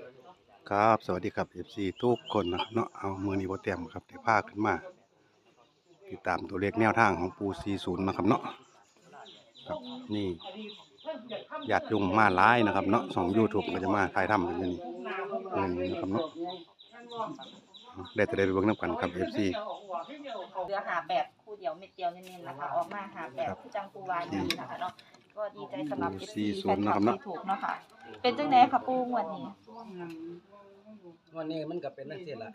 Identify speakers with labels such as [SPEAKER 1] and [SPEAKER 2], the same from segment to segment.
[SPEAKER 1] ครับสวัสดีครับ FC ทุกคนนะครับเนาะเอามือนี้บ่เต็มครับได้พาขึ้นมาติดตามตัวเลขแนวทางของปู40นะครับเนาะครับนี่ญาติโยมมาหลายนะครับเนาะช่อง YouTube ก็จะมาถ่ายทำกันอยู่นี่เงินนะครับเนาะได้แต่ได้ไปเบิ่งนํกันครับ FC
[SPEAKER 2] เรือหาแบบคู่เดียวเม็ดเดียวเน้นๆนะคะออกมาหาแบบคู่จังปูวาดีนะคะเนาะก็ดีใจสำหรับ FC แฟนคลับที่ถูกเนาะค่ะเป็นจังได๋ค่ะปูงวดนี้
[SPEAKER 3] วันนี้มันก็เป็นนักเสียละ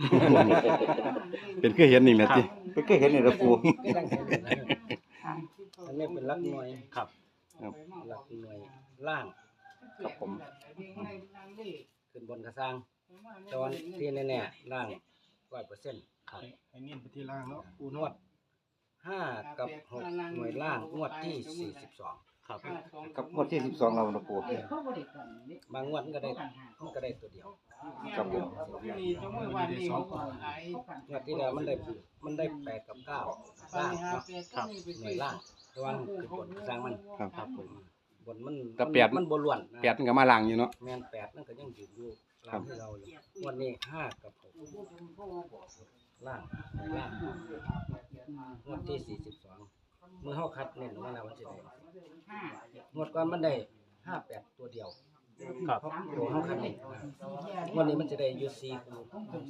[SPEAKER 1] เป็นคือเห็นนี่แม่ติเป็นคือเห็นนี่ละปู
[SPEAKER 3] ก็ยังเห็นอันนี้เป็นลักหน่วย
[SPEAKER 1] ครับ
[SPEAKER 3] ลักหน่วยล่างครับผมขึ้นบนกระซังตอนที่แน่ๆล่าง100%ครับ
[SPEAKER 4] ให้เน้นไปที่ล่างเนาะ
[SPEAKER 3] นวด5กับ6หน่วยล่างงวดที่42ครับ
[SPEAKER 1] กับงวดที่12เราละปู
[SPEAKER 3] บางงวดมันก็ได้ตัวเดียว
[SPEAKER 1] ครับผม
[SPEAKER 4] มีจังมือวันนี้2ตัวหลาย
[SPEAKER 3] งวดที่แล้วมันได้8กับ9ล่างเนาะครับหน่วยล่างระวังขึ้นบนกระซังมัน
[SPEAKER 1] ครับ
[SPEAKER 3] ผมบนมัน
[SPEAKER 1] แต่แปด
[SPEAKER 3] มันบ่ล้วนนะ
[SPEAKER 1] แปดมันก็มาล้างอยู่เนาะ
[SPEAKER 3] แม่น8นั่นก็ยังยืนอยู่ล่างที่เราอยู่วันนี้5กับ6ล่างล่างงวดที่42เมื่อเฮาคัดเน้นว่าแล้วมันสิได้งวดก่อนมันได้58ตัวเดียวครับตัวเฮาคัดเน้นงวดนี้มันจะได้อยู่4คู่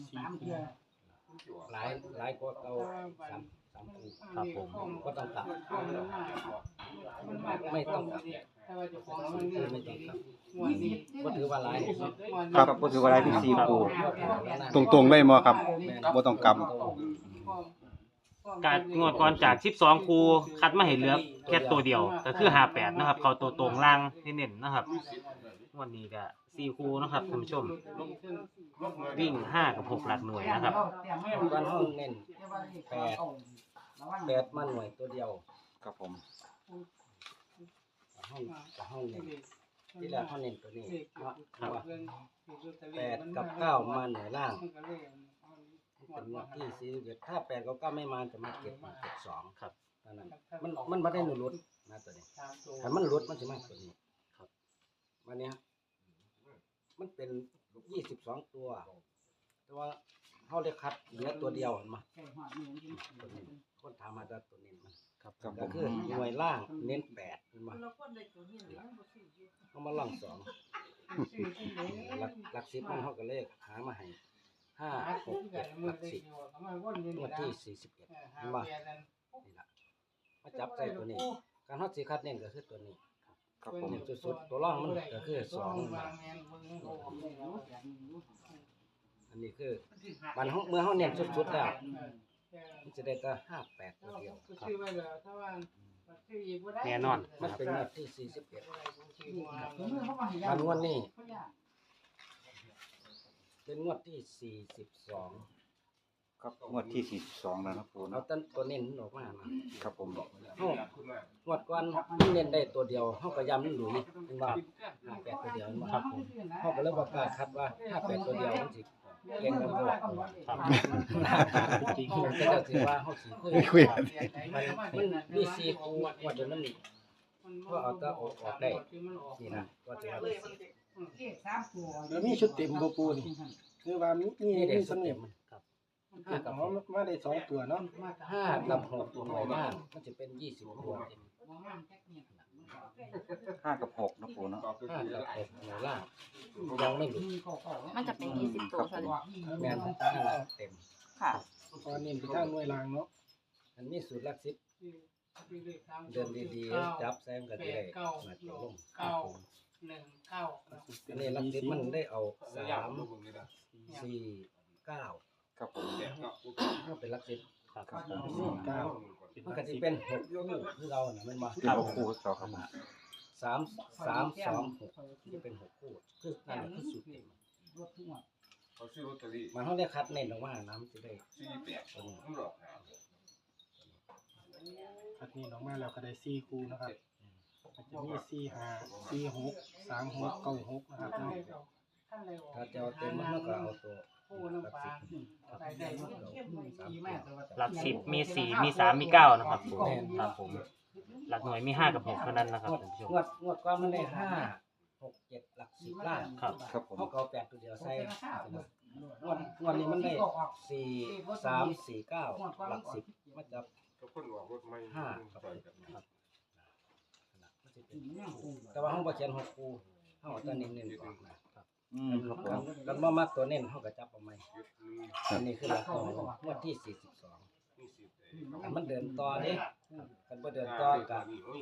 [SPEAKER 3] หลายกว่าเอา3คู่ครับผมก็ต้องกลับไม่ต้องกลับไม่ต้องกลับบ่ถือว่าหลาย
[SPEAKER 1] ครับก็ถือว่าได้ที่4ปูตรงๆเลยบ่ครับบ่ต้องกลับ
[SPEAKER 5] การงวดก่อนจาก12คูคัดมาให้เหลือแค่ตัวเดียวก็คือ58นะครับเขาตัวตรงล่างเน้นๆนะครับงวดนี้ก็4คูนะครับท่านผู้ชมวิ่ง5กับ6หลักหน่วยนะครับ
[SPEAKER 3] ก่อนเฮาเน้น8มาหน่วยตัวเดียว
[SPEAKER 1] ครับผม
[SPEAKER 3] ห้องเน้นที่แรกห้องเน้นตัวนี้ครับ8กับ9มาหน่วยล่างเป็นงวดที่41ถ้า8กับ9ไม่มาจะมาเก็บ2ครับเท่านั้นมันบ่ได้หลุดนะตัวนี้ถ้ามันหลุดมันสิมาตัวนี้ครับวันนี้มันเป็น22ตัวแต่ว่าเฮาได้คัดเหลือตัวเดียวเห็นมั้ยตัวนี้คนถามมาตัวนี้มันครับก็คือหน่วยล่างเน้น8เห็นมั้ยเอามาล่าง2หลัก10มันเฮาก็เลขหามาให้5 6 7หลัก10งวดที่41เห็นบ่นี่ล่ะมาจับใส่ตัวนี้การเฮาสิคัดเน้นก็คือตัวนี้
[SPEAKER 1] ครับผม
[SPEAKER 3] เน้นสุดๆตัวร่องมันก็คือ2อันนี้คือมันเมื่อเฮาเน้นสุดๆแล้วมันจะได้แต่58ตัวเดียวครับ
[SPEAKER 5] แน่นอน
[SPEAKER 3] มันเป็นงวดที่41อันงวดนี้เป็นงวดที่42
[SPEAKER 1] ครับงวดที่42แล้วนะปู
[SPEAKER 3] เอา
[SPEAKER 1] เนาะ
[SPEAKER 3] ต้นตัวเน้นออกมานะครับ
[SPEAKER 1] ผม
[SPEAKER 3] เฮางวดก่อนเน้นได้ตัวเดียวเฮาก็ย้ำมันหลุยเป็นว่า58ตัวเดียวครับผมเฮาก็เลยบ่กล้าคัดว่า58ตัวเดียวมันสิเก่งกันบ่ครับจริงๆก็จะสิว่าเฮาสิคุยมันมี4คู่งวดเดียวมันก็เอาแต่ออกได้นี่นะก็สิว่า
[SPEAKER 4] แล้วมีชุดเต็มบ่ปูนี่คือว่ามี
[SPEAKER 3] นี่ได้
[SPEAKER 4] มี
[SPEAKER 3] ส
[SPEAKER 4] สำ
[SPEAKER 3] เต็
[SPEAKER 4] เนีย
[SPEAKER 3] ม
[SPEAKER 4] ง
[SPEAKER 3] มันครับ
[SPEAKER 4] คือกับเขามาได้2ตัวเนาะ
[SPEAKER 3] 5กับ6หน่วยล่างมันจะเป็น20ตัว
[SPEAKER 1] 5กับ6นะปูเนาะ
[SPEAKER 3] 5กับ6หน่วยล่างยังไม่หลุด
[SPEAKER 2] มันจะเป็น20ตัวค่ะ
[SPEAKER 3] แม่น5เต็ม
[SPEAKER 2] ค่ะ
[SPEAKER 4] พอเน้นไปทางหน่วยล่างเนาะ
[SPEAKER 3] อันนี้สูตรหลัก10เดินดีๆจับแซมก็ได้มาจะลงอันนี้หลัก10มันได้เอา3 4 9
[SPEAKER 1] ครับผม
[SPEAKER 3] ก็เป็นหลัก10
[SPEAKER 1] ครับผม
[SPEAKER 4] 9
[SPEAKER 3] มันก็สิเป็น6คู่คือเราน่ะแม่นบ่
[SPEAKER 1] ครับครูครับผม
[SPEAKER 3] 3 3 2 6จะเป็น6คู่คือนั่นแหละคือสูตรเต็ม
[SPEAKER 6] เขาซื้อลอตเตอรี่
[SPEAKER 3] มันเขาได้คัดเน้นออกมานะมันจะได้
[SPEAKER 6] 48มันหลอกหา
[SPEAKER 4] อันนี้ออกมาแล้วก็ได้4คู่นะครับมันจะมี4 5 4 6 3 6 9 6นะครับ
[SPEAKER 3] ถ้าจะเอาเต็มมันก็เอาตัวหลักสิบ
[SPEAKER 5] หลัก10มี4มี3มี9นะครับผมครับผมหลักหน่วยมี5กับ6เท่านั้นนะครับท่านผู้ชม
[SPEAKER 3] งวดกว่ามันได้5 6 7หลัก 10ล่าง
[SPEAKER 5] ครับ
[SPEAKER 1] ครับผม
[SPEAKER 3] เขาก็เอา8ตัวเดียวใส่งวดนี้มันได้4 3 4 9หลัก10มาจับ
[SPEAKER 6] ก็คนออกรถไม่
[SPEAKER 3] 5กับ10ครับแต่ว่าเฮาบ่เขียน6คู่เฮาเอาแต่เน้นๆก่อนนะครับ
[SPEAKER 1] ครับผม
[SPEAKER 3] กันบ่มักตัวเน้นเฮาก็จับเอาใหม่อันนี้คือหลักของงวดที่42อันมันเดินต่อเด้คันบ่เดินต่อก็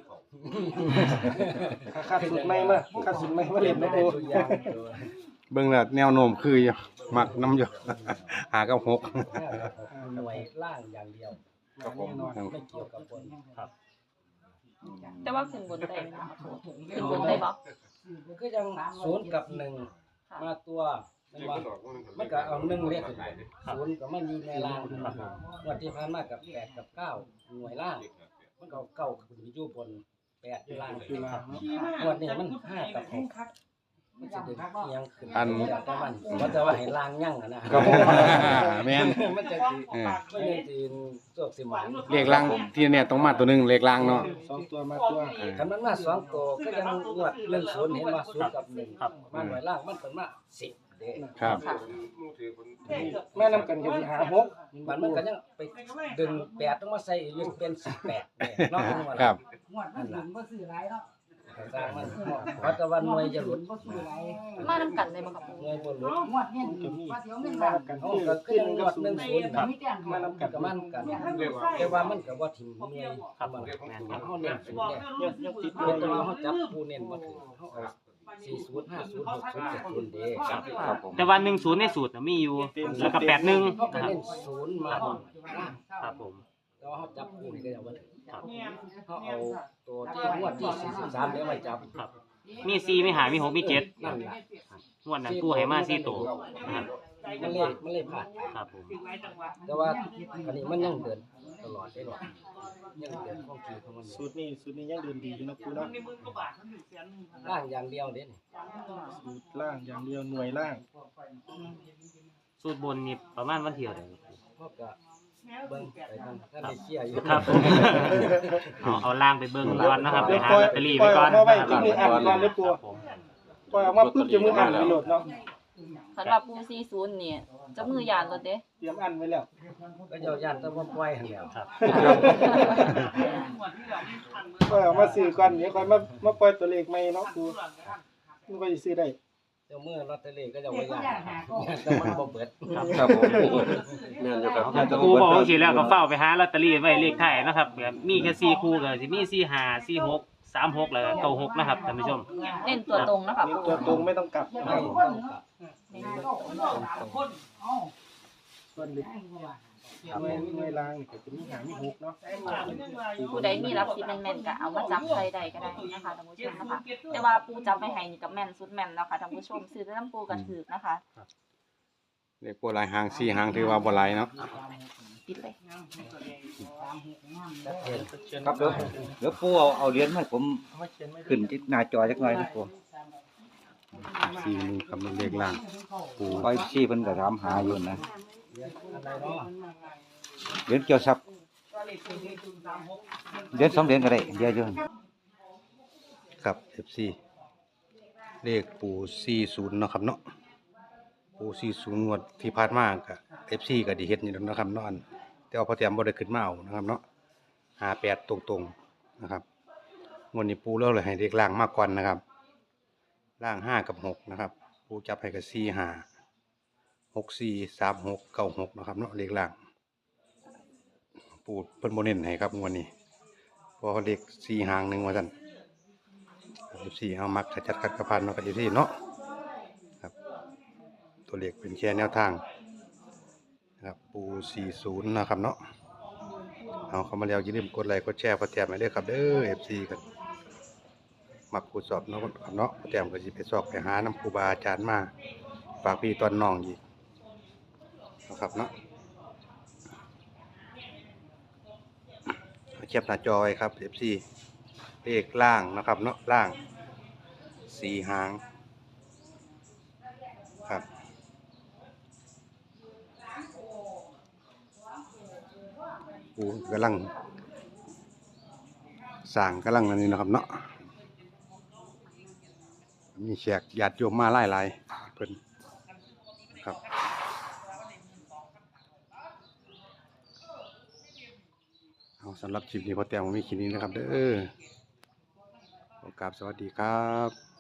[SPEAKER 4] ค่าสุดไม่มาค่าสุดไม่มาเล่น
[SPEAKER 3] ไม่
[SPEAKER 4] นะ
[SPEAKER 3] ได้
[SPEAKER 4] ปู
[SPEAKER 3] ตัวอย่างตัว
[SPEAKER 1] เบิ่งแล้วแนวโน้มคืออยู่มักน้ำอยู่ หากับหก
[SPEAKER 3] หน่วยล่างอย่างเดียว
[SPEAKER 1] ครับผม
[SPEAKER 3] ไม่เกี่ยวกับบน
[SPEAKER 2] แต่ว่าขึ้นบนได้ไหมคะปูขึ้นบนได้บ่
[SPEAKER 3] คือยัง0กับ1มาตัวมันก็เอา1เลขขึ้นไป0ก็มันอยู่ในล่างงวดที่ผ่านมากับ8กับ9หน่วยล่างมันก็เอา9ขึ้นไปอยู่บน8อยู่ล่าง
[SPEAKER 4] คือลางเนาะ
[SPEAKER 3] งวดนี้มัน5กับ6มันสิดึงเอียงขึ้นแต่มันบ่จะว่าให้ล่างยั่งอะนะครับ
[SPEAKER 1] ผมแม่น
[SPEAKER 3] มันจะสิ
[SPEAKER 1] เออ
[SPEAKER 3] มันจะสิโชคสิหมาน
[SPEAKER 1] เลขล่างที่เนี่ยต้องมาตัวหนึงเลขล่างเนาะ
[SPEAKER 4] 2ตัวมาตัว
[SPEAKER 3] คันมันมา2ตัวก็ยังงวด10เห็นว่า0กับ1
[SPEAKER 5] ครับ
[SPEAKER 3] มาหน่วยล่างมันเป็นมา10เด้
[SPEAKER 1] ครับ
[SPEAKER 4] แม่นำกันก็สิหา6
[SPEAKER 3] มันก็ยังไปดึง8ต้องมาใส่อยู่เป็น18เนี่ยเนาะ
[SPEAKER 1] ครับ
[SPEAKER 3] นั่นล่ะสร้างมันเพราะแต่ว่าหน่วยจะหลุด
[SPEAKER 2] มานํกันได้บ่ครับปู
[SPEAKER 3] หน่วยบ่หลุด
[SPEAKER 4] ก็มีมานํกัน
[SPEAKER 3] เฮา
[SPEAKER 4] คือ
[SPEAKER 3] ก็
[SPEAKER 4] คือ
[SPEAKER 3] ยัง
[SPEAKER 4] 1
[SPEAKER 3] ง
[SPEAKER 4] กั
[SPEAKER 3] ว
[SPEAKER 4] บ
[SPEAKER 3] ด
[SPEAKER 4] 0
[SPEAKER 3] 10ครับ
[SPEAKER 4] มานํกัน
[SPEAKER 3] ก็มันกันแต่ว่ามันก็บ่ถิ่มหน่วย
[SPEAKER 5] ครับ
[SPEAKER 3] มัน
[SPEAKER 5] แม่น
[SPEAKER 3] เฮาเน้น0เนี่ย
[SPEAKER 4] ยังติด
[SPEAKER 3] แต่ว่าเขาจับผู้เน้นมาถึงเขาเอา40 50 60 70เด้ครับ
[SPEAKER 1] ครับผม
[SPEAKER 5] แต่ว่า10ในสูตรน่ะมีอยู่แล้วก็81
[SPEAKER 3] เขา
[SPEAKER 5] นะ
[SPEAKER 3] ก็
[SPEAKER 5] ครับ
[SPEAKER 3] เน้น0มาล่าง
[SPEAKER 5] ครับผม
[SPEAKER 3] แต่ว่าเขาจับผู้นี่ก็ยังบ่ถึง
[SPEAKER 5] ครับ
[SPEAKER 3] เขาเอาตัวที่งวดที่43เดี๋ยวมาจับ
[SPEAKER 5] ครับมี4มี5มี6มี7
[SPEAKER 3] นั่นล่ะ
[SPEAKER 5] งวดนั้นกู้ให้มา4ตัวนะครับ
[SPEAKER 3] มันเลยผ่าน
[SPEAKER 5] ครับผม
[SPEAKER 3] แต่ว่าอันนี้มันยังเดินตลอดได้หรอกยังเดินของทีของมันอยู่
[SPEAKER 4] สูตรนี้ยังเดินดีอยู่นะปูเนาะ
[SPEAKER 3] ล่างอย่างเดียวเด้นี่
[SPEAKER 4] สูตรล่างอย่างเดียวหน่วยล่าง
[SPEAKER 5] สูตรบนนี่ประมาณวันเที่ยวใด
[SPEAKER 3] เขาก็เบิ่งไปทางท่านได้เชียร์อยู่
[SPEAKER 5] ครับผมเอาล่างไปเบิ่งก่อนนะครับไปหาลอตเตอรี่ไว้ก่อน
[SPEAKER 4] มาไว้
[SPEAKER 5] ครับ
[SPEAKER 4] ที่มืออ่านก่อนเลยปู
[SPEAKER 5] ครับผม
[SPEAKER 4] ปล่อยออกมาปุ๊บจะมืออ่านไปโหลดเนาะ
[SPEAKER 2] สำหรับปู40เนี่ยจะมือยานรถเด้
[SPEAKER 4] เตรียมอ่านไว้แล้ว
[SPEAKER 3] ก็เจ้าย่านแตะบ่ปล่อยหั่นแหล้ว
[SPEAKER 5] ครับ
[SPEAKER 4] ปล่อยออกมาซื้อก่อนเดี๋ยวค่อยมาปล่อยตัวเลขใหม่เนาะปูมันก็สิซื้อได้
[SPEAKER 3] เจ้ามือลอตเตอรี่ก็เจะบ่ย่านแต่มันบ่เบิด
[SPEAKER 1] ครับผมแม่นอยู่ครับ
[SPEAKER 5] ครูบอกว่าสิแล้วก็เฝ้าไปหาลอตเตอรี่ไว้เลขท้ายนะครับแบบมีแค่4คู่ก็สิมี45 46 36แล้วก็96นะครับท่านผู้ชม
[SPEAKER 2] เน้นตัวตรงนะคะ
[SPEAKER 4] นี่
[SPEAKER 2] ปู
[SPEAKER 4] ตัวตรงไม่ต้องกลับ
[SPEAKER 3] ไม่ต้องกลับ
[SPEAKER 4] ส่วนเล็กหน่วยล่างนี่ก็จะมีหามี6เนาะ
[SPEAKER 2] ผู้ใดมีรับสิแม่นๆก็เอามาจับใส่ได้ก็ได้นะคะท่านผู้ชมนะคะแต่ว่าปูจับไปให้นี่ก็แม่นสุดแม่นแล้วค่ะท่านผู้ชมซื้อแต่น้ำปูก็ถูกนะคะ
[SPEAKER 1] เลขบ่หลายหาง4หางถือว่าบ่หลายเนาะ
[SPEAKER 2] ปิดเลย
[SPEAKER 3] ชัดเจน
[SPEAKER 7] ครับเดี๋ยวปูเอาเหรียญมาให้ผมขึ้นที่หน้าจอจักหน่อยนะปู
[SPEAKER 1] 4มือกับเลขล่างปู
[SPEAKER 7] คอยชี้เพิ่นก็ถามหาอยู่นะ
[SPEAKER 3] อันใดเนาะ
[SPEAKER 7] เหรียญเกี่ยวทรัพย์เหรียญ2เหรียญก็ได้เดี๋ยวอยู่
[SPEAKER 1] ครับ FC เลขปู40เนาะครับเนาะปู40งวดที่ผ่านมาก็ FC ก็ได้เฮ็ดอยู่แล้วเนาะครับเนาะแต่ว่าพอแต้มบ่ได้ขึ้นมาเอานะครับเนาะ58ตรงๆนะครับงวดนี้ปูเลือกเลยให้เลขล่างมาก่อนนะครับล่าง5กับ6นะครับปูจับให้กับ4 5 6 4 3 6 9 6นะครับเนาะเลขล่างปูเพิ่นบ่เน้นให้ครับงวดนี้เพราะเลข4หางหนึงว่าซั่น14เอามักจัดคัดกระพันเนาะกับ14เนาะครับตัวเลขเป็นแค่แนวทางนะครับปู40นะครับเนาะเอาเข้ามาแล้วอย่าลืมกดไลค์กดแชร์กดแชร์ให้ด้วยครับเด้อ FC กันมักครูสอบเนาะครับเนาะแต้มก็สิไปสอบไปหาน้ำครูบาอาจารย์มาฝากพี่ตอนน้องอีกนะครับเนาะเทียบหน้าจอไว้ครับ FC เลขล่างนะครับเนาะล่าง4หางครับปูกำลังสร้างกำลังอันนี้นะครับเนาะมีแขกญาติโยมมาหลายๆเพิ่นครับเอาสำหรับคลิปนี้พอแต้มมีคลิปนี้นะครับเด้อขอกราบสวัสดีครับ